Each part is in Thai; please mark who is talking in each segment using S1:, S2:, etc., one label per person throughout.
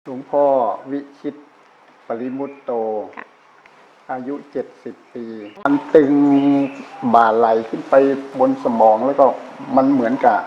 S1: หลวงพ่อวิชิตปริมุตโตอายุ70 ปีมันตึงบ่าไหลขึ้นไปบนสมองแล้วก็มันเหมือนกับ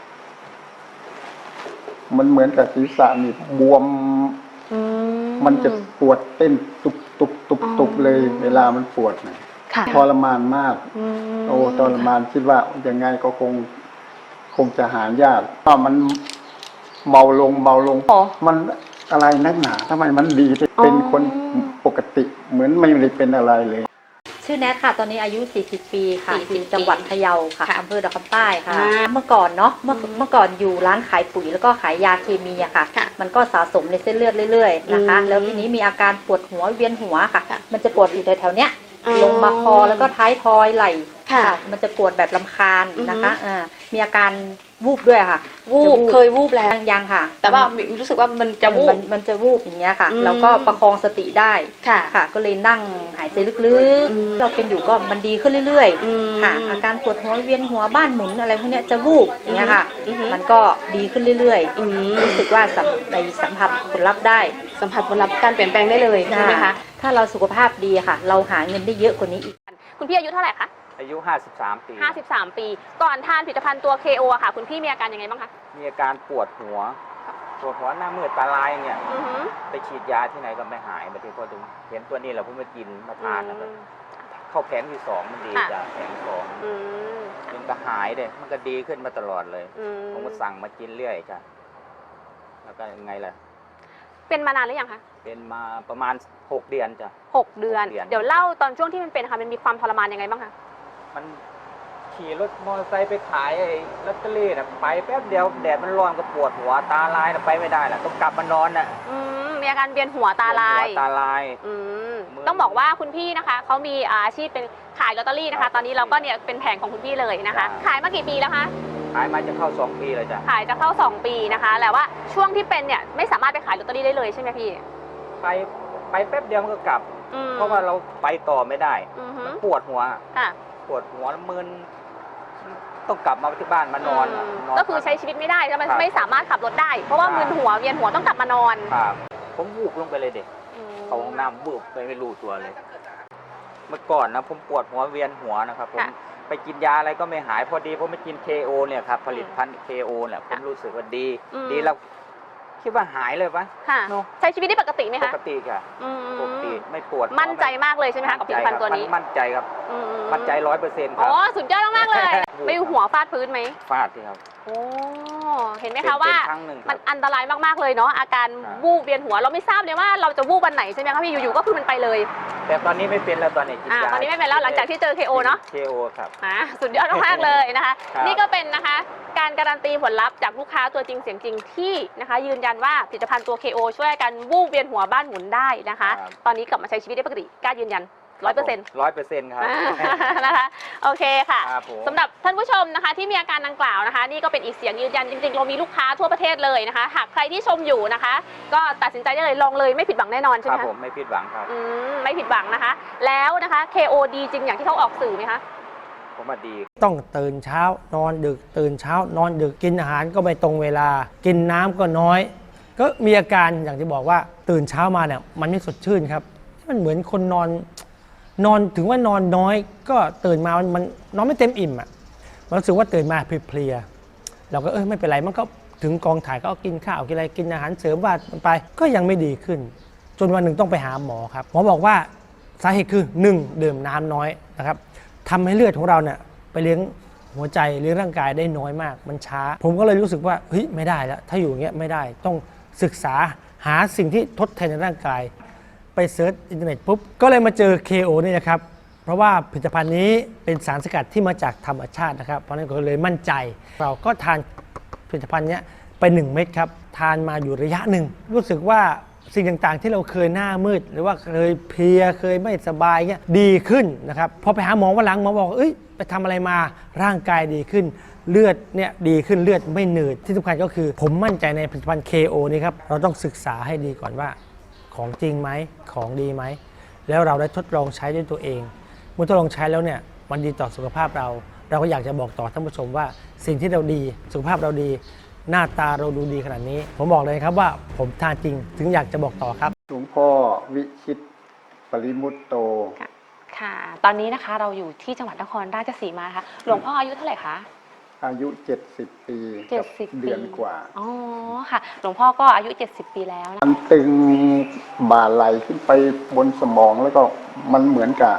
S1: ศีรษะนี่บวมมันจะปวดเต้นตุบเลย เวลามันปวดนะทรมานมากโอ้ทรมานคิดว่ายังไงก็คงจะหายากเพราะมันเบาลงมันอะไรนักหนาทำไมมันดีเป็นคนปกติเหมือนไม่ได้เป็นอะไรเลย
S2: ชื่อแนทค่ะตอนนี้อายุ40 ปีค่ะอยู่จังหวัดพะเยาค่ะอำเภอดอกคำใต้ค่ะเมื่อก่อนเนาะเมื่อก่อนอยู่ร้านขายปุ๋ยแล้วก็ขายยาเคมีอะค่ะมันก็สะสมในเส้นเลือดเรื่อยๆนะคะแล้วทีนี้มีอาการปวดหัวเวียนหัวค่ะมันจะปวดอยู่แถวๆเนี้ยลงมาคอแล้วก็ท้ายทอยไหล่มันจะปวดแบบรำคาญนะคะมีอาการวูบด้วยค่ะ
S3: เคยวูบแล้ว
S2: ยังค่ะ
S3: แต่ว่ารู้สึกว่ามันจะวูบ
S2: มันจะวูบอย่างเงี้ยค่ะแล้วก็ประคองสติได้ค่ะก็เลยนั่งหายใจลึกๆเราเป็นอยู่ก็มันดีขึ้นเรื่อยๆค่ะอาการปวดหัวเวียนหัวบ้านหมุนอะไรพวกเนี้ยจะวูบอย่างเงี้ยค่ะมันก็ดีขึ้นเรื่อยๆรู้สึกว่าสัมผัสผลลัพธ์ได้
S3: สัมผัสผลลัพธ์การเปลี่ยนแปลงได้เลยใช่ไหมคะ
S2: ถ้าเราสุขภาพดีค่ะเราหาเงินได้เยอะกว่านี้อีก
S3: คุณพี่อายุเท่าไหร่คะ
S4: อายุ53 ปี
S3: 53 ปีก่อนทานผลิตภัณฑ์ตัว KO อะค่ะคุณพี่มีอาการยังไงบ้างคะ
S4: มีอาการปวดหัวหน้ามืดตาลายเนี่ยไปฉีดยาที่ไหนก็ไม่หายบางทีพอถึงเห็นตัวนี้เราเพิ่งมากินมาทานนะครับเข้าแผงที่2มันดีจากแผง2มันก็หายเลยมันก็ดีขึ้นมาตลอดเลยผมก็สั่งมากินเรื่อยจ้ะแล้วก็ยังไงล่ะ
S3: เป็นมานานหรือยังคะ
S4: เป็นมาประมาณ6 เดือนจ้ะ
S3: 6 เดือนเดี๋ยวเล่าตอนช่วงที่มันเป็นค่ะมันมีความทรมานยังไงบ้างคะ
S4: มันขี่รถมอเตอร์ไซค์ไปขายไอ้ลอตเตอรี่น่ะไปแป๊บเดียวแดดมันร้อนก็ปวดหัวตาลายน่ะไปไม่ได้น่ะต้องกลับมานอนน่ะ
S3: มีอาการเวียนหัวตาลายต้องบอกว่าคุณพี่นะคะเขามีอาชีพเป็นขายลอตเตอรี่นะคะตอนนี้เราก็เนี่ยเป็นแผงของคุณพี่เลยนะคะขายมากี่ปีแล้วคะ
S4: ขายมาจะเข้า2 ปีเลยจ้ะ
S3: ขายจะเข้า2 ปีนะคะแต่ว่าช่วงที่เป็นเนี่ยไม่สามารถไปขายลอตเตอรี่ได้เลยใช่ไหมพี่
S4: ไปแป๊บเดียวมันก็กลับเพราะว่าเราไปต่อไม่ได้ปวดหัวปวดหัวมึนต้องกลับมาที่บ้านมานอน
S3: ก็คือใช้ชีวิตไม่ได้แล้วมันไม่สามารถขับรถได้เพราะว่ามึนหัวเวียนหัวต้องกลับมานอน
S4: ครับผมวูบลงไปเลยเด็กเขาห้องน้ำวูบไปไม่รู้ตัวเลยเมื่อก่อนนะผมปวดหัวเวียนหัวนะครับผมไปกินยาอะไรก็ไม่หายพอดีผมไปกิน KO เนี่ยครับผลิตภัณฑ์ KO เนี่ยผมรู้สึกว่าดีแล้วคิดว่าหายเลยปะ
S3: ใช้ชีวิตได้ปกติไหมคะ
S4: ปกติค่ะปกติไม่ปวด
S3: มั่นใจมากเลยใช่ไหมคะกับผลิตภัณฑ์ตัวนี้
S4: มั่นใจครับมั่นใจ100%ครับ
S3: อ๋อสุดยอดมากเลยไม่หัวฟาดพื้นไหม
S4: ฟาดที่ครับ
S3: โอ้เห็นไหมคะว่ามันอันตรายมากๆเลยเนาะอาการวูบเวียนหัวเราไม่ทราบเลยว่าเราจะวูบวันไหนใช่ไหมคะพี่อยู่ๆก็คือมันไปเลย
S4: แต่ตอนนี้ไม่เป็นแล้วตอนนี้กินยา
S3: ตอนนี้ไม่เป็นแล้วหลังจากที่เจอ KO เนาะ
S4: KO ครับ
S3: สุดยอดมากเลยนะคะนี่ก็เป็นนะคะการการันตีผลลัพธ์จากลูกค้าตัวจริงเสียงจริงที่นะคะยืนยันว่าผลิตภัณฑ์ตัว KO ช่วยกันวูบเวียนหัวบ้านหมุนได้นะคะตอนนี้กลับมาใช้ชีวิตได้ปกติกล้ายืนยัน
S4: 100%ครับ
S3: นะคะโอเคค่ะสำหรับท่านผู้ชมนะคะที่มีอาการดังกล่าวนะคะนี่ก็เป็นอีกเสียงยืนยันจริงๆเรามีลูกค้าทั่วประเทศเลยนะคะหากใครที่ชมอยู่นะคะก็ตัดสินใจได้เลยลองเลยไม่ผิดหวังแน่นอนใช่ไหม
S4: คะผมไม่ผิดหวังครับ
S3: ไม่ผิดหวังนะคะแล้วนะคะ KO ดีจริงอย่างที่เขาออกสื่อไหมคะ
S4: ผมว่าดี
S5: ต้องตื่นเช้านอนดึกตื่นเช้านอนดึกกินอาหารก็ไม่ตรงเวลากินน้ำก็น้อยก็มีอาการอย่างที่บอกว่าตื่นเช้ามาเนี่ยมันไม่สดชื่นครับมันเหมือนคนนอนถึงว่านอนน้อยก็ตื่นมามันนอนไม่เต็มอิ่มอ่ะมันรู้สึกว่าตื่นมาเพลียเราก็ไม่เป็นไรมันก็ถึงกองถ่ายก็กินข้าวกินอะไรกินอาหารเสริมว่าไปก็ยังไม่ดีขึ้นจนวันหนึ่งต้องไปหาหมอครับหมอบอกว่าสาเหตุคือ1ดื่มน้ำน้อยนะครับทำให้เลือดของเราเนี่ยไปเลี้ยงหัวใจเลี้ยงร่างกายได้น้อยมากมันช้าผมก็เลยรู้สึกว่าเฮ้ยไม่ได้แล้วถ้าอยู่อย่างเงี้ยไม่ได้ต้องศึกษาหาสิ่งที่ทดแทนในร่างกายไปเซิร์ชอินเทอร์เน็ตปุ๊บก็เลยมาเจอ KO นี่นะครับเพราะว่าผลิตภัณฑ์นี้เป็นสารสกัดที่มาจากธรรมชาตินะครับเพราะนั้นก็เลยมั่นใจเราก็ทานผลิตภัณฑ์นี้ไป1 เม็ดครับทานมาอยู่ระยะหนึ่งรู้สึกว่าสิ่งต่างๆที่เราเคยหน้ามืดหรือว่าเคยเพลียเคยไม่สบายเงี้ยดีขึ้นนะครับพอไปหาหมอวันหลังหมอบอกไปทำอะไรมาร่างกายดีขึ้นเลือดเนี่ยดีขึ้นเลือดไม่หนืดที่สำคัญก็คือผมมั่นใจในผลิตภัณฑ์ KO นี้ครับเราต้องศึกษาให้ดีก่อนว่าของจริงไหมของดีไหมแล้วเราได้ทดลองใช้ด้วยตัวเองเมื่อทดลองใช้แล้วเนี่ยมันดีต่อสุขภาพเราก็อยากจะบอกต่อท่านผู้ชมว่าสิ่งที่เราดีสุขภาพเราดีหน้าตาเราดูดีขนาดนี้ ผมบอกเลยครับว่าผมทานจริงถึงอยากจะบอกต่อครับ
S1: หลวงพ่อวิชิตปริมุตโต
S3: ค่ะ ตอนนี้นะคะเราอยู่ที่จังหวัดนครราชสีมาค่ะหลวงพ่ออายุเท่าไหร่คะ
S1: อายุ70 ปีกับ
S3: 70
S1: เดือนกว่า
S3: อ๋อค่ะหลวงพ่อก็อายุ70 ปีแล้วนะ
S1: มันตึงบ่าไหลขึ้นไปบนสมองแล้วก็มันเหมือนกับ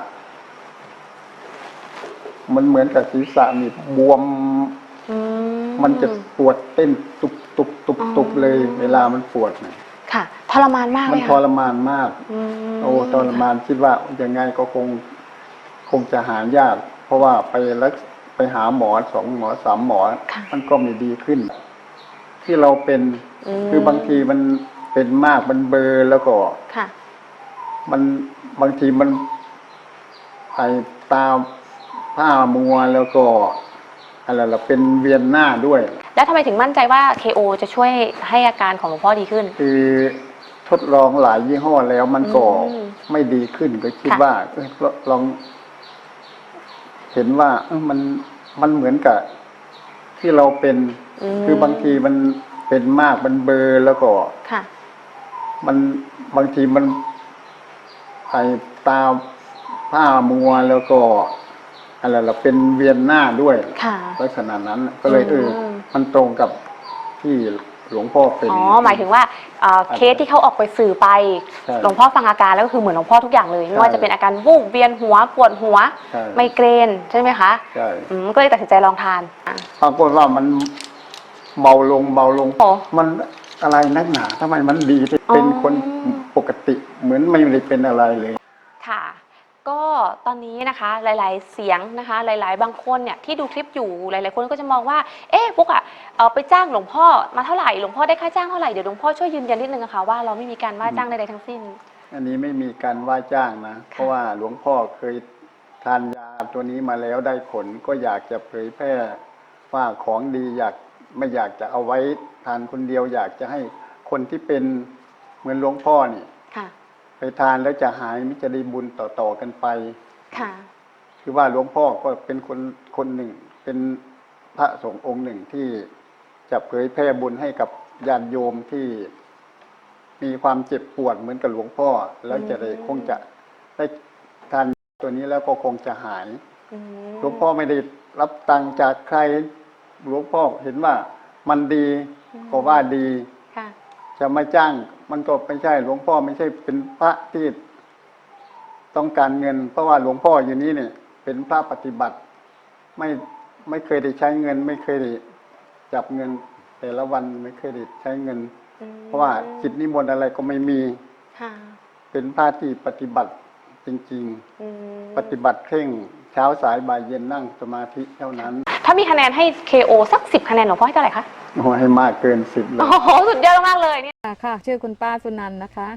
S1: ศีรษะมีบวมมันจะปวดเต้นตุบเลยเวลามันปวดเนี่ย
S3: ค่ะทรมานมาก
S1: มันทรมานมากโอ้ทรมานคิดว่ายังไงก็คงจะหายากเพราะว่าไปหาหมอ2 หมอ 3 หมอมันก็ไม่ดีขึ้นที่เราเป็นคือบางทีมันเป็นมากมันเบลอแล้วก็มันบางทีมันไอตาผ้ามัวแล้วก็อะไรล่ะเป็นเวียนหน้าด้วย
S3: แล้วทำไมถึงมั่นใจว่า KO จะช่วยให้อาการของหลวงพ่อดีขึ้น
S1: คือทดลองหลายยี่ห้อแล้วมันก็ไม่ดีขึ้นก็คิดว่าลองเห็นว่ามันเหมือนกับที่เราเป็นคือบางทีมันเป็นมากมันเบลอแล้วก็มันบางทีมันไอตาผ้ามัวแล้วก็อะไรล่ะเป็นเวียนหน้าด้วยลักษณะนั้นก็เลยมันตรงกับที่หลวงพ่อเป็น
S3: หมายถึงว่าเคสที่เขาออกไปสื่อไปหลวงพ่อฟังอาการแล้วก็คือเหมือนหลวงพ่อทุกอย่างเลยไม่ว่าจะเป็นอาการวูบเวียนหัวปวดหัวไมเกรนใช่ไหมคะ
S1: ใช่
S3: ก็เลยตัดสินใจลองทาน
S1: ปรากฏว่ามันเบาลงมันอะไรนักหนาทำไมมันดีเป็นคนปกติเหมือนไม่ได้เป็นอะไรเลย
S3: ค่ะก็ตอนนี้นะคะหลายๆเสียงนะคะหลายๆบางคนเนี่ยที่ดูคลิปอยู่หลายๆคนก็จะมองว่าปุ๊กไปจ้างหลวงพ่อมาเท่าไหร่หลวงพ่อได้ค่าจ้างเท่าไหร่เดี๋ยวหลวงพ่อช่วยยืนยันนิดนึงนะคะว่าเราไม่มีการว่าจ้างใดๆทั้งสิ้น
S1: อันนี้ไม่มีการว่าจ้างนะเพราะว่าหลวงพ่อเคยทานยาตัวนี้มาแล้วได้ผลก็อยากจะเผยแพร่ว่าของดีไม่อยากจะเอาไว้ทานคนเดียวอยากจะให้คนที่เป็นเหมือนหลวงพ่อนี่ไปทานแล้วจะหายมิจะได้บุญต่อกันไปคือว่าหลวงพ่อก็เป็นคนหนึ่งเป็นพระสงฆ์องค์หนึ่งที่จะเผยแพร่บุญให้กับญาติโยมที่มีความเจ็บปวดเหมือนกับหลวงพ่อแล้วจะได้คงจะได้ทานตัวนี้แล้วก็คงจะหายหลวงพ่อไม่ได้รับตังค์จากใครหลวงพ่อเห็นว่ามันดีก็ว่าดีจะมาจ้างมันก็ไม่ใช่หลวงพ่อไม่ใช่เป็นพระที่ต้องการเงินเพราะว่าหลวงพ่ออยู่นี้เนี่ยเป็นพระปฏิบัติไม่เคยได้ใช้เงินไม่เคยได้จับเงินแต่ละวันไม่เคยได้ใช้เงินเพราะว่าจิตนิมนต์อะไรก็ไม่มีเป็นพระที่ปฏิบัติจริงๆปฏิบัติเคร่งเช้าสายบ่ายเย็นนั่งสมาธิเท่านั้น
S3: ถ้ามีคะแนนให้ KO สัก10 คะแนนหลวงพ่อให้เท่าไหร่คะ
S1: ให้มากเกิน10เลย
S3: โอ้โหสุดยอดมากเลยเนี่ย
S6: ค่ะชื่อคุณป้าสุนันท์นะคะ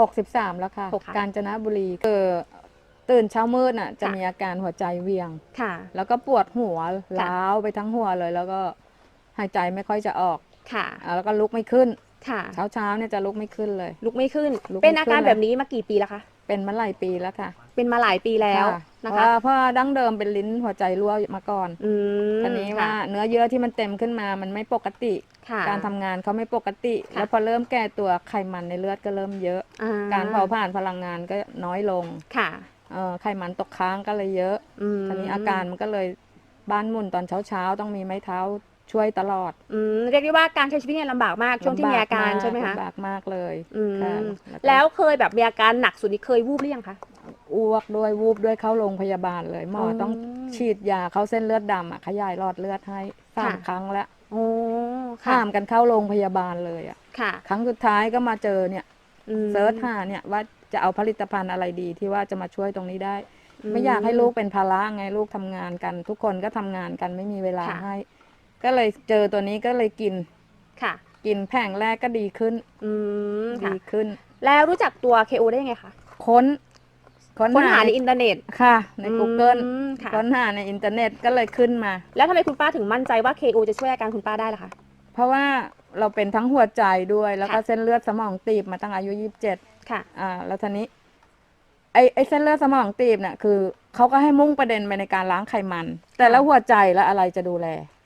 S6: 63แล้วค่ะกาญจนบุรีตื่นเช้ามืดน่ะจะมีอาการหัวใจเวียงแล้วก็ปวดหัวล้าวไปทั้งหัวเลยแล้วก็หายใจไม่ค่อยจะออกแล้วก็ลุกไม่ขึ้นเช้าเนี่ยจะลุกไม่ขึ้นเลย
S3: ลุกไม่ขึ้นเป็นอาการแบบนี้มากี่ปีแล้วคะ
S6: เป็นมาหลายปีแล้วค่ะ
S3: เป็นมาหลายปีแล้วนะคะ
S6: เพราะดั้งเดิมเป็นลิ้นหัวใจรั่วมาก่อนทีนี้ว่าเนื้อเยื่อที่มันเต็มขึ้นมามันไม่ปกติการทำงานเขาไม่ปกติแล้วพอเริ่มแก่ตัวไขมันในเลือดก็เริ่มเยอะการเผาผลาญพลังงานก็น้อยลงไขมันตกค้างก็เลยเยอะทีนี้อาการมันก็เลยบ้านหมุนตอนเช้าต้องมีไม้เท้าช่วยตลอด
S3: เรียกได้ว่าการใช้ชีวิตเนี่ยลำบากมากช่วงที่มีอาการใช่ไหมคะ
S6: ลำบากมากเลย
S3: แล้วเคยแบบมีอาการหนักสุดนี้เคยวูบหรือยังคะ
S6: อ้วกด้วยวูบด้วยเข้าโรงพยาบาลเลยหมอต้องฉีดยาเข้าเส้นเลือดดำขยายหลอดเลือดให้3 ครั้งแล้วข้ามกันเข้าโรงพยาบาลเลยครั้งสุดท้ายก็มาเจอเนี่ยเซิร์ชหาเนี่ยว่าจะเอาผลิตภัณฑ์อะไรดีที่ว่าจะมาช่วยตรงนี้ได้ไม่อยากให้ลูกเป็นภาระไงลูกทำงานกันทุกคนก็ทำงานกันไม่มีเวลาให้ก็เลยเจอตัวนี้ก็เลยกินกินแผงแรกก็ดีขึ้นดีขึ้น
S3: แล้วรู้จักตัว KO ได้ยังไงคะ
S6: ค้น
S3: หาในอินเทอร์เน็ต
S6: ค่ะใน Google ค้นหาในอินเทอร์เน็ตก็เลยขึ้นมา
S3: แล้วทำไมคุณป้าถึงมั่นใจว่า KO จะช่วยอาการคุณป้าได้ล่ะคะ
S6: เพราะว่าเราเป็นทั้งหัวใจด้วยแล้วก็เส้นเลือดสมองตีบมาตั้งอายุ27แล้วทีนี้ไอ้เส้นเลือดสมองตีบเนี่ยคือเขาก็ให้มุ่งประเด็นไปในการล้างไขมันแต่แล้วหัวใจแล้วอะไรจะดูแล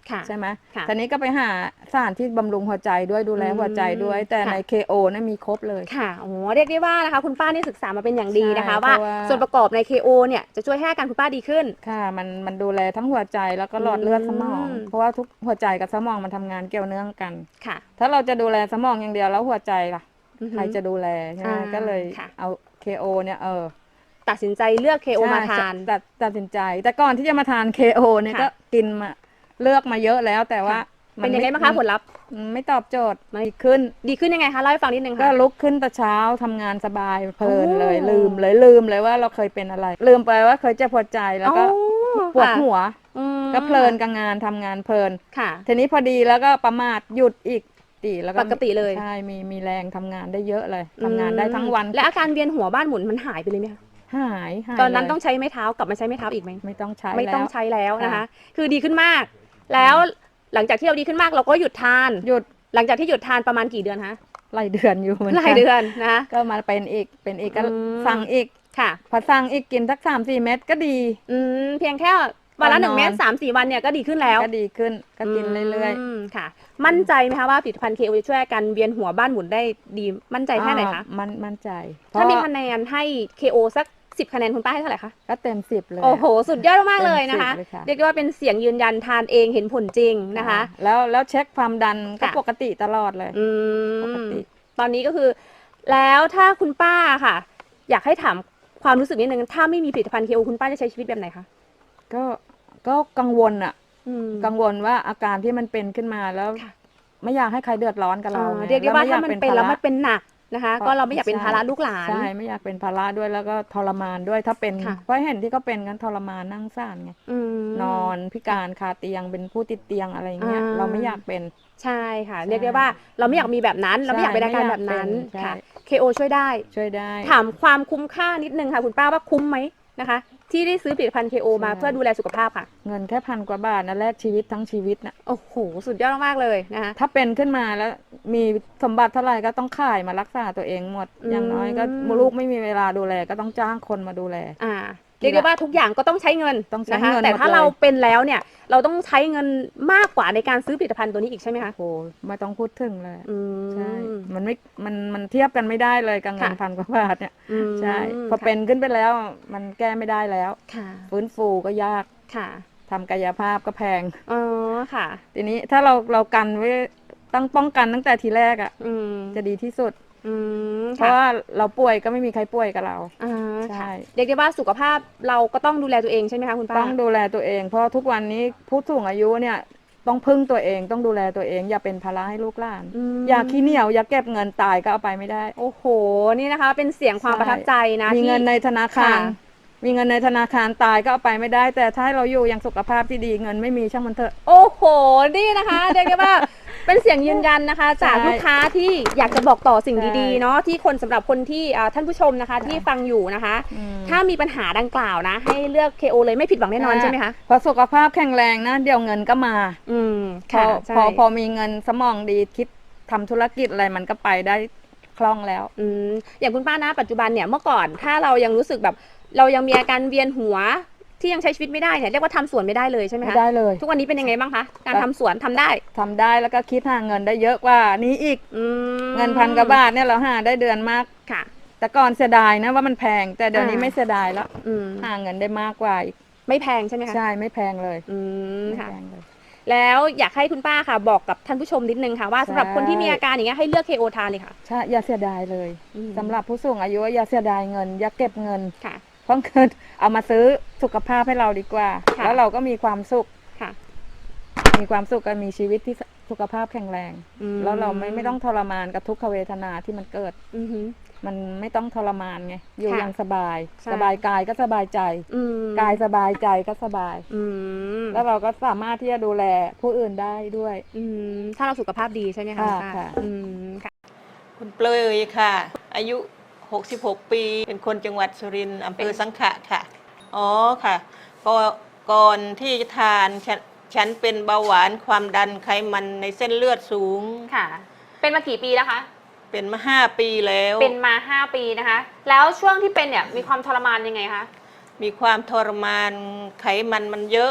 S6: ใช่ไหม
S3: ค่ะ
S6: ทีนี้ก็ไปหาสารที่บำรุงหัวใจด้วยดูแลหัวใจด้วย แต่ใน KO นะมีครบเลย
S3: ค่ะโอ้เรียกได้ว่านะคะคุณป้านี่ศึกษามาเป็นอย่างดีนะคะ
S6: ใช่
S3: ว่า
S6: เพราะว่า
S3: ส่วนประกอบใน KO เนี่ยจะช่วยให้อาการคุณป้าดีขึ้น
S6: ค่ะมันดูแลทั้งหัวใจแล้วก็หลอดเลือดสมอง เพราะว่าทุกหัวใจกับสมองมันทำงานเกี่ยวเนื่องกัน
S3: ค่ะ
S6: ถ้าเราจะดูแลสมองอย่างเดียวแล้วหัวใจล่ะ
S3: อือฮึ
S6: ใครจะดูแลใช่ไหม ก็เลย
S3: ค่ะ
S6: เอา KO เนี่ย
S3: ตัดสินใจเลือก KO มาทาน
S6: ตัดสินใจ แต่ก่อนที่จะมาทาน KO เนี่ย
S3: ค่ะ
S6: ก็กินมาเลือกมาเยอะแล้วแต่ว่า
S3: เป็นยังไงบ้างคะผลลัพธ์
S6: มันไม่ตอบโจทย์ไม่ขึ้น
S3: ดีขึ้นยังไงคะเล่าให้ฟังนิดนึง
S6: ก็
S3: ค่ะ
S6: ลุกขึ้นแต่เช้าทำงานสบายเพลินเลย
S3: โอ้
S6: ลืมเลยว่าเราเคยเป็นอะไร ลืมไปว่าเคยเจ็บหัวใจแล้วก็
S3: อ๋อ
S6: ปวด
S3: ค่ะ
S6: หัว
S3: อืม
S6: ก็เพลินกับงานทำงานเพลิน
S3: ค่ะ
S6: ทีนี้พอดีแล้วก็ประมาทหยุดอีกแล้วก็
S3: ปกติเลย
S6: ใช่มีแรงทำงานได้เยอะเลยทำงานได้ทั้งวัน
S3: และอาการเวียนหัวบ้านหมุนมันหายไปเลยไหมคะ
S6: หาย
S3: ตอนนั้น
S6: เลย
S3: ต้องใช้ไม้เท้ากลับมาใช้ไม้เท้าอีกไหม
S6: ไม่ต้องใช้
S3: ไม่ต้อง
S6: แล้ว
S3: ใช้แล้วนะคะ
S6: ค่ะ
S3: คือดีขึ้นมาก แล้วหลังจากที่เราดีขึ้นมากเราก็หยุดทาน
S6: หยุด
S3: หลังจากที่หยุดทานประมาณกี่เดือนคะ
S6: หลายเดือนอยู่เหมือน
S3: ห
S6: กั
S3: ลายเดือนนะคะ
S6: ก็มาเป็นอีกก็
S3: อืม
S6: สั่งอีก
S3: ค่ะ
S6: พอสั่งอีกกินสัก3-4 เม็ดก็ดี
S3: เพียงแค่วันละ
S6: ตอนนอน
S3: 1 เม็ด3-4 วันเนี่ยก็ดีขึ้นแล้ว
S6: ก็ดีขึ้นก็กินเรื่อย
S3: ๆค่ะ มั่นใจไหมคะว่าผลิตภัณฑ์ KO จะช่วยอาการเวียนหัวบ้านหมุนได้ดีมั่นใจแค่ไหนคะ
S6: มั่นใจ
S3: ถ้ามี
S6: เพระ
S3: คะแนนให้ KO สัก10 คะแนนคุณป้าให้เท่าไหร่คะ
S6: ก็เต็ม10เลย
S3: โอ้โห สุดยอดมากๆเลยนะคะ
S6: เต็ม10เลยค่ะ
S3: เรียกได้ว่าเป็นเสียงยืนยันทานเองเห็นผลจริงนะคะ
S6: แล้วเช็คความดันก็
S3: ค่ะ
S6: ปกติตลอดเลย
S3: อื
S6: ปก
S3: ม
S6: ติ
S3: ตอนนี้ก็คือ แล้วถ้าคุณป้าค่ะ อยากให้ถามความรู้สึกนิดนึงถ้าไม่มีผลิตภัณฑ์ KO คุณป้าจะใช้ชีวิตแบบไหนคะ
S6: ก็กังวลอะ
S3: อืม
S6: กังวลว่าอาการที่มันเป็นขึ้นมาแล้ว
S3: ค่ะ
S6: ไม่อยากให้ใครเดือดร้อนกับเราไง
S3: เรียกได้ว่าถ้ามันเป็นแล้ว
S6: ภระ
S3: มันเป็นหนักนะคะ ก็เราไม่อยากเป็นภาระลูกหลาน
S6: ใช่ไม่อยากเป็นภาระด้วยแล้วก็ทรมานด้วยถ้าเป็น
S3: ค่ะ
S6: เพราะเห็นที่เขาเป็นกันทรมานนั่งซ่านไง
S3: ม
S6: นอนพิการคาเตียงเป็นผู้ติดเตียงอะไรอย่างเงี้ย
S3: อ่า
S6: เราไม่อยากเป็น
S3: ใช่ค่ะ
S6: ใช่
S3: เรียกได้ว่าเราไม่อยากมีแบบนั้น เราไม่อยากเป็นอาการแบบนั้น
S6: ใช่
S3: ค่ะ KO ช่วยได้
S6: ช่วยได้
S3: ถามความคุ้มค่านิดนึงค่ะคุณป้าว่าคุ้มไหมนะคะ ที่ได้ซื้อผลิตภัณฑ์ KO มาเพื่อดูแลสุขภาพค่ะ
S6: เงินแค่1,000 กว่าบาทนะแลกชีวิตทั้งชีวิตนะ
S3: โอ้โห สุดยอดมากๆเลยนะคะ
S6: ถ้าเป็นขึ้นมาแล้วมีสมบัติเท่าไหร่ก็ต้องขายมารักษาตัวเองหมด อย่างน้อยก็ลูกไม่มีเวลาดูแลก็ต้องจ้างคนมาดูแล
S3: เรียกได้ว่าทุกอย่างก็ต้องใช้เงิน
S6: ต้องใช้
S3: นะคะ
S6: เงิน
S3: แต่ถ้า
S6: หมดเลย
S3: เราเป็นแล้วเนี่ย เราต้องใช้เงินมากกว่าในการซื้อผลิตภัณฑ์ตัวนี้อีกใช่ไหมคะ
S6: โอ้ไม่ต้องพูดถึงเลย
S3: อืม
S6: ใช่ มันเทียบกันไม่ได้เลยกับเงิน
S3: ค่ะ
S6: 1,000 กว่าบาทเนี่ย
S3: อืม
S6: ใช่พอเป็นขึ้นไปแล้วมันแก้ไม่ได้แล้ว
S3: ค่ะ
S6: ฟื้นฟูก็ยาก
S3: ค่ะ
S6: ทำกายภาพก็แพง
S3: อ๋อค่ะ
S6: ทีนี้ถ้าเรากันไว้ตั้งป้องกันตั้งแต่ทีแรกอ่ะ
S3: อืม
S6: จะดีที่สุด
S3: อืม
S6: เพราะว่าเราป่วยก็ไม่มีใครป่วยกับเรา
S3: อ่า
S6: ใช่
S3: ค่ะเรียกได้ว่าสุขภาพเราก็ต้องดูแลตัวเองใช่ไหมคะคุณป้า
S6: ต้องดูแลตัวเอง เพราะทุกวันนี้ผู้สูงอายุเนี่ยต้องพึ่งตัวเองต้องดูแลตัวเอง อย่าเป็นภาระให้ลูกหลาน
S3: ม
S6: อย่าขี้เหนียวอย่าเก็บเงินตายก็เอาไปไม่ได้
S3: โอ้โห นี่นะคะ เป็นเสียงความ
S6: ใช่
S3: ประทับใจนะ
S6: มี
S3: ที่
S6: เงินในธนาคาร
S3: ค่ะ
S6: มีเงินในธนาคารตายก็เอาไปไม่ได้ แต่ถ้าให้เราอยู่อย่างสุขภาพที่ดีเงินไม่มีช่างมันเถอะ
S3: โอ้โห นี่นะคะ เรียกได้ว่า เป็นเสียงยืนยันนะคะ จาก
S6: ใช่
S3: ลูกค้าที่อยากจะบอกต่อสิ่ง
S6: ใช่
S3: ดีๆเนาะที่คนสำหรับคนที่ท่านผู้ชมนะคะ
S6: ใช่
S3: ที่ฟังอยู่นะคะ
S6: อืม
S3: ถ้ามีปัญหาดังกล่าวนะ ให้เลือก KO เลยไม่ผิดหวังแน่นอนใช่ไหมคะ
S6: พอสุขภาพแข็งแรงนะเดี๋ยวเงินก็มา
S3: อืม
S6: พอ
S3: ค่ะใช่
S6: พอมีเงินสมองดีคิดทำธุรกิจอะไรมันก็ไปได้คล่องแล้ว
S3: อืมอย่างคุณป้านะปัจจุบันเนี่ยเมื่อก่อนถ้าเรายังรู้สึกแบบ เรายังมีอาการเวียนหัวที่ยังใช้ชีวิตไม่ได้เนี่ยเรียกว่าทำสวนไม่ได้เลยใช่ไหม
S6: ไม่
S3: คะ
S6: ได้เลย
S3: ทุกวันนี้เป็นยังไงบ้างคะการทำสวนทำได้
S6: ทำได้แล้วก็คิดหาเงินได้เยอะกว่านี้อีก
S3: อืม
S6: เงิน1,000 กว่าบาทเนี่ยเราหาได้เดือนมาก
S3: ค่ะ
S6: แต่ก่อนเสียดายนะว่ามันแพง แต่เดี๋ยวนี้
S3: อ่า
S6: ไม่เสียดายแล้ว
S3: อืม
S6: หาเงินได้มากกว่าอีก
S3: ไม่แพงใช่ไหมคะ
S6: ใช่ไม่แพงเลย
S3: อืม
S6: ไม่
S3: ค่ะ
S6: แพงเลย
S3: แล้วอยากให้คุณป้าค่ะ บอกกับท่านผู้ชมนิดนึงค่ะว่าสำหรับคนที่มีอาการอย่างเงี้ยให้เลือก KO ทานเลยค่ะ
S6: ใช่อย่าเสียดายเลย
S3: อืม
S6: สำหรับผู้สูงอายุอย่าเสียดายเงิน อย่าเก็บเงิน
S3: ค่ะ
S6: เพราะเงินเอามาซื้อสุขภาพให้เราดีกว่า
S3: ค่ะ
S6: แล้วเราก็มีความสุข
S3: ค่ะ
S6: มีความสุขกันมีชีวิตที่สุขภาพแข็งแรง
S3: อืม
S6: แล้วเราไม่ต้องทรมานกับทุกขเวทนาที่มันเกิด
S3: อือหือ
S6: มันไม่ต้องทรมานไงอยู่
S3: ค่ะ
S6: อย่างสบาย
S3: ใช่
S6: สบายกายก็สบายใจ
S3: อืม
S6: กายสบายใจก็สบาย
S3: อืม
S6: แล้วเราก็สามารถที่จะดูแลผู้อื่นได้ด้วย
S3: อืมถ้าเราสุขภาพดีใช่ไหมคะคุณป้า
S6: ค่ะ
S3: อืมค่ะ
S7: คุณเปลยค่ะ อายุ 66 ปี เป็นคนจังหวัดสุรินทร์อำเภอสังขะค่ะ อ๋อค่ะก็ก่อนที่จะทานฉันเป็นเบาหวานความดันไขมันในเส้นเลือดสูง
S3: ค่ะ เป็นมากี่ปีแล้วคะ
S7: เป็นมา 5 ปีแล้ว
S3: เป็นมา 5 ปีนะคะ แล้วช่วงที่เป็นเนี่ยมีความทรมานยังไงคะ
S7: มีความทรมานไขมันมันเยอะ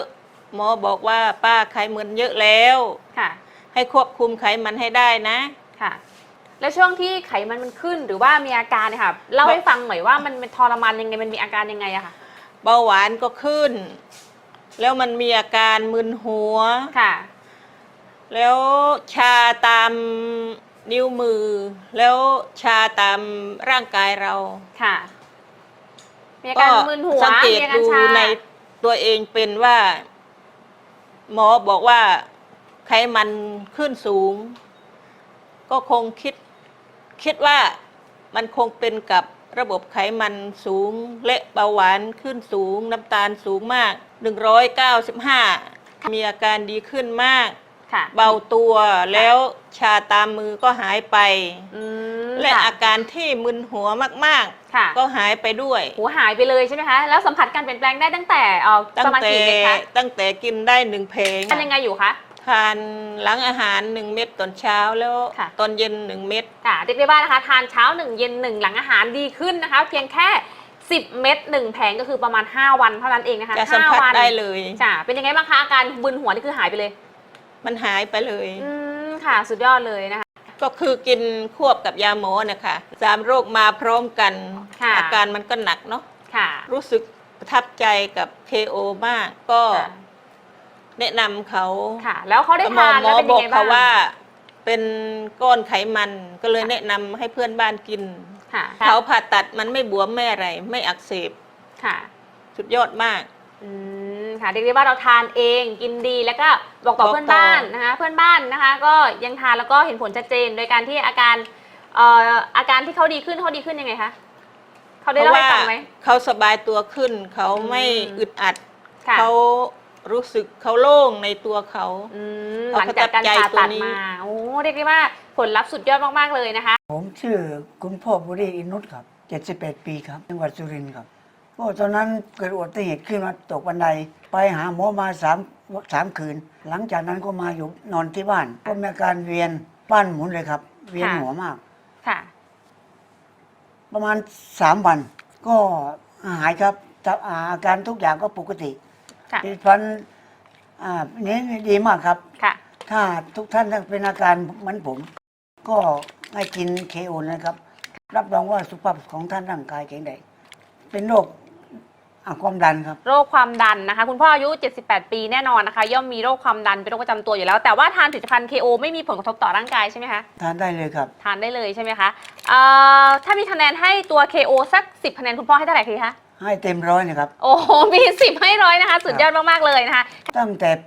S7: หมอบอกว่าป้าไขมันเยอะแล้ว
S3: ค่ะ
S7: ให้ควบคุมไขมันให้ได้นะ
S3: ค่ะ แล้วช่วงที่ไขมันขึ้นหรือว่ามีอาการเนี่ยค่ะเล่าให้ฟังหน่อยว่ามันเป็นทรมานยังไงมันมีอาการยังไงอะค่ะ
S7: เบาหวานก็ขึ้น แล้วมันมีอาการมึนหัว
S3: ค่ะ
S7: แล้วชาตามนิ้วมือ แล้วชาตามร่างกายเรา
S3: ค่ะ มีอาการมึนหัว
S7: สังเกต
S3: มีอาการ
S7: ดู
S3: ชา
S7: ในตัวเองเป็นว่า หมอบอกว่าไขมันขึ้นสูง ก็คงคิดว่ามันคงเป็นกับระบบไขมันสูงและเบาหวานขึ้นสูง น้ำตาลสูงมาก 195 มีอาการดีขึ้นมาก
S3: ค่ะ
S7: เบาตัวแล้วชาตามมือก็หายไป
S3: อืม
S7: และ
S3: ค่
S7: อาการที่มึนหัวมาก
S3: ค่ะ
S7: ๆ ก็หายไปด้วย
S3: หูหายไปเลยใช่ไหมคะ แล้วสัมผัสการเปลี่ยนแปลงได้ตั้งแต่ประมาณกี่เม็ดคะ
S7: ตั้งแต่กินได้1 เพลง
S3: ทานยังไงอยู่คะ
S7: ทานหลังอาหาร1 เม็ดตอนเช้าแล้ว
S3: ค่ะ
S7: ตอนเย็น1 เม็ด
S3: ค่ะเรียกได้ว่านะคะทานเช้า1เย็น1หลังอาหารดีขึ้นนะคะ เพียงแค่10 เม็ด1แผงก็คือประมาณ5วันเท่านั้นเองนะคะ
S7: จะสัมผัส
S3: 5วัน
S7: ได้เลย
S3: จ้ะเป็นยังไงบ้างคะอาการบึนหัวนี่คือหายไปเลย
S7: มันหายไปเลย
S3: ค่ะสุดยอดเลยนะคะ
S7: ก็คือกินควบกับยาหมอนะคะ3 โรคมาพร้อมกัน
S3: ค่ะ
S7: อาการมันก็หนักเนาะ
S3: ค่ะ
S7: รู้สึกประทับใจกับ KO มาก ก็
S3: ค่ะ
S7: แนะนำเขา
S3: ค่ะ แล้วเขาได้
S7: หมอ
S3: ทาน
S7: หม
S3: แล้ว
S7: อ
S3: เป็น
S7: บ
S3: ยั
S7: อง ก
S3: ไง
S7: เขา
S3: บ้าง
S7: ว่าเป็นก้อนไขมันก็เลยแนะนำให้เพื่อนบ้านกิน
S3: ค่ะ
S7: เขาผ่าตัดมันไม่บวมไม่อะไรไม่อักเสบ
S3: ค่ะ
S7: สุดยอดมาก
S3: ค่ะเรียกได้ว่าเราทานเองกินดีแล้วก็บอกต่อ
S7: บอกต่อ
S3: เพื่อนบ้านนะคะเพื่อนบ้านนะคะ ก็ยังทานแล้วก็เห็นผลชัดเจนโดยการที่อาการที่เขาดีขึ้นยังไงคะเขาได้เล่าให้ฟังไหม
S7: เขาสบายตัวขึ้น เขาไม่
S3: อืม
S7: อึดอัด
S3: ค่ะ
S7: เขารู้สึกเขาโล่งในตัวเขา
S3: หลังจากการผ่าตัดมาโอ้เรียกได้ว่าผลลัพธ์สุดยอดมากๆเลยนะคะ
S8: ผมชื่อคุณพ่อบุรีอินุตครับ71 ปีครับจังหวัดสุรินทร์ครับก็ตอนนั้นเกิดอุบัติเหตุขึ้นมาตกบันไดไปหาหมอมา3 คืน หลังจากนั้นก็มาอยู่นอนที่บ้าน ก็มีอาการเวียนบ้านหมุนเลยครับ เวียนหัวมาก
S3: ค่ะ
S8: ประมาณ3 วัน ก็หายครับอาการทุกอย่างก็ปกติ
S3: ค่ะ
S8: ดิฉันนี้ดีมากครับ
S3: ค่ะ
S8: ถ้าทุกท่านเป็นอาการเหมือนผม ก็ให้กินเคโอนะครับ รับรองว่าสุขภาพของท่านร่างกายแข็งแรงเป็นโรคความดันครับ
S3: โรคความดันนะคะ คุณพ่ออายุ 78 ปีแน่นอนนะคะ ย่อมมีโรคความดันเป็นโรคประจำตัวอยู่แล้ว แต่ว่าทานผลิตภัณฑ์ KO ไม่มีผลกระทบต่อร่างกายใช่ไหมคะ
S8: ทานได้เลยครับ
S3: ทานได้เลยใช่ไหมคะถ้ามีคะแนนให้ตัว KO สัก 10 คะแนนคุณพ่อให้เท่าไหร่คะ
S8: ให้เต็ม100นะครับ
S3: โอ้โห มี 10 ให้100นะคะ สุดยอดมากๆเลยนะคะ
S8: ตั้งแต่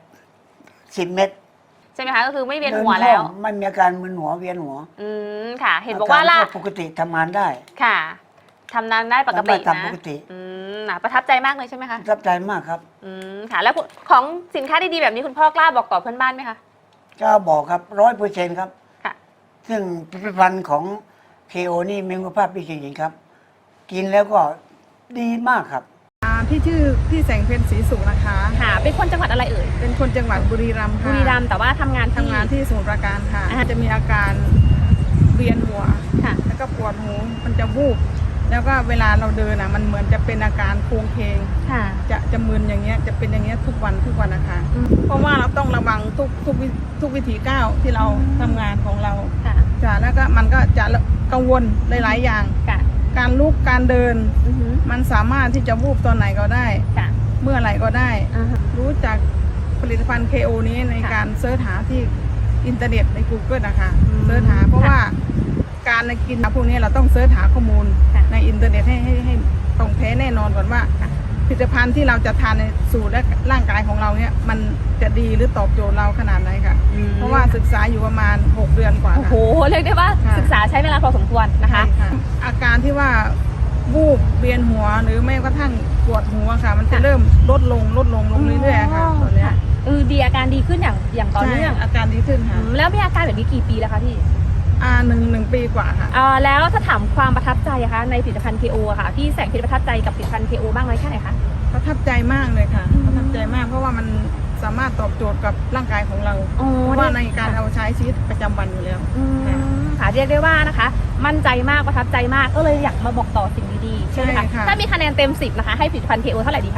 S8: 10 เม็ด
S3: ใช่ไหมคะ ก็คือไม่เวียนหัวแล้ว
S8: ไม่มีอาการมึนหัวเวียนหัว
S3: ค่ะ เห็นบอกว่าล่ะ
S8: ปกติทำงานได้
S3: ค่ะทำงานได้ปกติ
S8: ทำ
S3: นะ
S8: ปกติ
S3: ประทับใจมากเลยใช่ไหมคะ
S8: ประทับใจมากครับ
S3: ค่ะ แล้วของสินค้าดีๆแบบนี้คุณพ่อกล้าบอกต่อเพื่อนบ้านไหมคะ
S8: ก็บอกครับ100%ครับ
S3: ค่ะ
S8: ซึ่งผลิตภัณฑ์ของเคโอนี่มีคุณภาพดีจริงๆครับ กินแล้วก็ดีมากครับ
S9: พี่ชื่อพี่แสงเพ็ญศรีสุขนะคะ
S3: ค่ะ เป็นคนจังหวัดอะไรเอ่ย
S9: เป็นคนจังหวัดบุรีรัมย์ค่ะ
S3: บุรีรัมย์แต่ว่าทำงาน
S9: ทำงานที่สมุทรปราการค่ะ จะมีอาการเวียนหัว
S3: ค่ะ
S9: แล้วก็ปวดหูมันจะวูบแล้วก็เวลาเราเดินมันเหมือนจะเป็นอาการโคลงเพลง
S3: ค่ะ
S9: จะมึนอย่างเงี้ยจะเป็นอย่างเงี้ยทุกวันนะคะเพราะว่าเราต้องระวังทุกวิถีก้าวที่เราทำงานของเรา
S3: ค่ะ
S9: จ้ะแล้วก็มันก็จะกังวลหลายๆอย่าง
S3: ค่ะ
S9: การลุกการเดิน
S3: อือหือ
S9: มันสามารถที่จะวูบตอนไหนก็ได้
S3: ค่ะ
S9: เมื่อไหร่ก็ได้
S3: อ่าฮะ
S9: รู้จักผลิตภัณฑ์ KO นี้ใน
S3: ค่ะ
S9: การเสิร์ชหาที่อินเทอร์เน็ตใน Google นะคะ
S3: อืม
S9: เสิร์ชหาเพราะว่าการกินพวกนี้เราต้องเสิร์ชหาข้อมูล
S3: ค่ะ
S9: ในอินเทอร์เน็ตให้ตรงแท้แน่นอนก่อนว่าผลิตภัณฑ์ที่เราจะทานในสู่และร่างกายของเราเนี่ยมันจะดีหรือตอบโจทย์เราขนาดไหนค่ะ เพราะว่าศึกษาอยู่ประมาณ6 เดือนกว่า
S3: โอ้โห เรียกได้ว่า
S9: ค่ะ
S3: ศึกษาใช้เวลาพอสมควรนะคะ
S9: ใช่ค่ะอาการที่ว่าวูบเวียนหัวหรือไม่กระทั่งปวดหัวค่ะ มันจะเริ่มลดลงเรื่อยๆค่ะตอนเนี้ย
S3: ดีอาการดีขึ้นอย่างต่อเนื่อง
S9: ใช่อาการดีขึ้นค่ะ
S3: แล้วมีอาการแบบนี้กี่ปีแล้วคะพี่
S9: หนึ่งปีกว่าค่ะ
S3: แล้วถ้าถามความประทับใจอะคะในผลิตภัณฑ์ KO อะค่ะพี่แสงเพชรประทับใจกับผลิตภัณฑ์ KO บ้างไหมแค่ไหนคะ
S9: ประทับใจมากเลยค่ะ ประทับใจมากเพราะว่ามันสามารถตอบโจทย์กับร่างกายของเราเพราะว่าในการเอาใช้ชีวิตประจำวันอยู่แล้ว
S3: ค่ะเรียกได้ว่านะคะ มั่นใจมากประทับใจมากก็เลยอยากมาบอกต่อสิ่งดีๆใช่ไหมคะ
S9: ใช่ค่ะ
S3: ถ้ามีคะแนนเต็ม 10นะคะให้ผลิตภัณฑ์ KO เท่าไหร่ดีคะ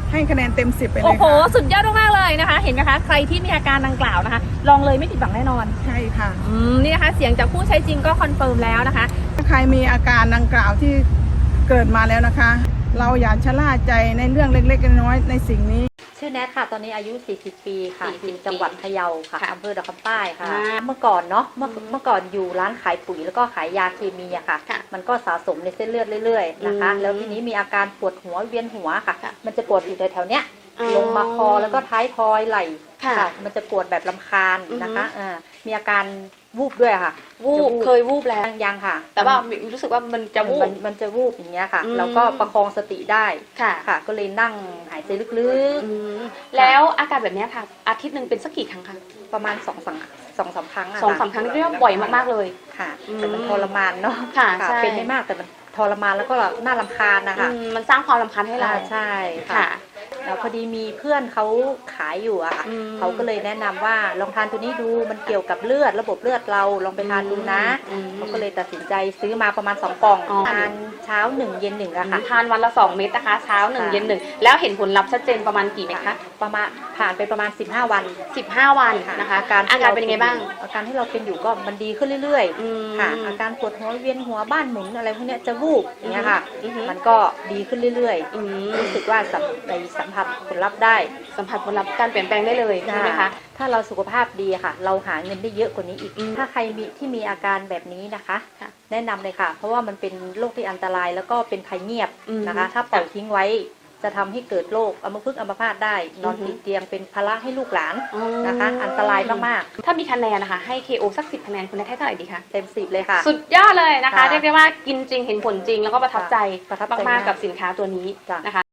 S9: ให้คะแนนเต็ม 10ไปเลย
S3: โอ้โห
S9: ค่ะ
S3: สุดยอดมากๆเลยนะคะ เห็นไหมคะ ใครที่มีอาการดังกล่าวนะคะ ลองเลยไม่ผิดหวังแน่นอน
S9: ใช่ค่ะ
S3: นี่นะคะ เสียงจากผู้ใช้จริงก็คอนเฟิร์มแล้วนะคะ
S9: ถ้าใครมีอาการดังกล่าวที่เกิดมาแล้วนะคะ เราอย่าชะล่าใจในเรื่องเล็กๆน้อยๆในสิ่งนี้
S2: ชื่อแนทค่ะ ตอนนี้อายุ 40 ปีค่ะ
S3: 40
S2: อยู่จังหวัดพะเยาค่ะ
S3: ค่ะ
S2: อำเภอดอกคำใต้ค่ะ
S3: อ่า
S2: เมื่อก่อนเนาะ เมื่อก่อนอยู่ร้านขายปุ๋ยแล้วก็ขายยาเคมีอะค่ะ
S3: ค่ะ
S2: มันก็สะสมในเส้นเลือดเรื่อยๆนะคะ
S3: อืม
S2: แล้วทีนี้มีอาการปวดหัวเวียนหัวค่ะ
S3: ค่ะ
S2: มันจะปวดอยู่แถวๆเนี้ย
S3: อ๋อ
S2: ลงมาคอแล้วก็ท้ายทอยไหล่
S3: ค่ะ
S2: มันจะปวดแบบลำคาญนะคะ
S3: อือฮึ
S2: มีอาการวูบด้วยค่ะ
S3: วูบ
S2: จะ
S3: เคยวูบแล้ว
S2: ยังค่ะ
S3: แต่ว่ารู้สึกว่ามันจะวูบ
S2: มันจะวูบอย่างเงี้ยค่ะ
S3: อืม
S2: แล้วก็ประคองสติได้
S3: ค่ะ
S2: ค่ะ ก็เลยนั่งหายใจลึก
S3: แล้วอาการแบบนี้ค่ะ อาทิตย์หนึ่งเป็นสักกี่ครั้งคะ
S2: ๆ ประมาณ2-3 ครั้งอะ
S3: 2-3 ครั้งเรียกว่าบ่อยมากๆเลย
S2: ค่ะ
S3: อืม
S2: แต่มันทรมานเนาะ
S3: ค่ะใช่
S2: เป็นไม่มากแต่มันทรมานแล้วก็น่ารำคาญนะคะ
S3: มันสร้างความรำคาญให้เรา
S2: ใช่ค่ะ
S3: ค่ะ
S2: แล้วพอดีมีเพื่อนเขาขายอยู่อะค่ะ
S3: อืม
S2: เขาก็เลยแนะนำว่าลองทานตัวนี้ดูมันเกี่ยวกับเลือดระบบเลือดเราลองไปทานดูนะ
S3: อืม
S2: เขาก็เลยตัดสินใจซื้อมาประมาณ2 กล่อง
S3: อ๋อ
S2: ทานเช้า1เย็น1อะค่ะ
S3: ทานวันละ2 เม็ดนะคะ เช้า1
S2: ค่ะ
S3: เย็น1แล้วเห็นผลลัพธ์ชัดเจนประมาณกี่เม็ดคะ
S2: ประมาณผ่านไปประมาณ15 วัน
S3: 15 วันนะคะ อาการเป็นยังไงบ้าง
S2: อาการที่เราเป็นอยู่ก็มันดีขึ้นเรื่อย
S3: อืม
S2: ๆค่ะ อาการปวดหัวเวียนหัวบ้านหมุนอะไรพวกเนี้ยจะวูบอย่างเงี้ยค่ะ
S3: อือฮึ
S2: มันก็ดีขึ้นเรื่อย
S3: อืม
S2: ๆรู้สึกว่าสัมผัสผลลัพธ์ได้
S3: สัมผัสผลลัพธ์การเปลี่ยนแปลงได้เลยใช่ไหมคะ
S2: ถ้าเราสุขภาพดีค่ะ เราหาเงินได้เยอะกว่านี้อีก
S3: อืม
S2: ถ้าใครมีอาการแบบนี้นะคะ
S3: ค่ะ
S2: แนะนำเลยค่ะ เพราะว่ามันเป็นโรคที่อันตรายแล้วก็เป็นภัยเงียบ
S3: อืม
S2: นะคะ ถ้าปล่อยทิ้งไว้จะทำให้เกิดโรคอัมพฤกษ์อัมพาตได้ นอน
S3: อือฮึ
S2: ติดเตียงเป็นภาระให้ลูกหลาน
S3: อ๋อ
S2: นะคะ อันตรายมาก
S3: ถ้ามีคะแนนนะคะ ให้ KO สัก 10 คะแนนคุณแนทให้เท่าไหร่ดีคะ
S2: ๆ เต็ม10เลยค่ะ
S3: สุดยอดเลยนะคะ
S2: ค่ะ
S3: เรียกได้ว่ากินจริงเห็นผลจริงแล้วก็ประทับใจ
S2: ประทับใจ
S3: มากๆกับสินค้าตัวนี้
S2: จ้ะ
S3: นะคะ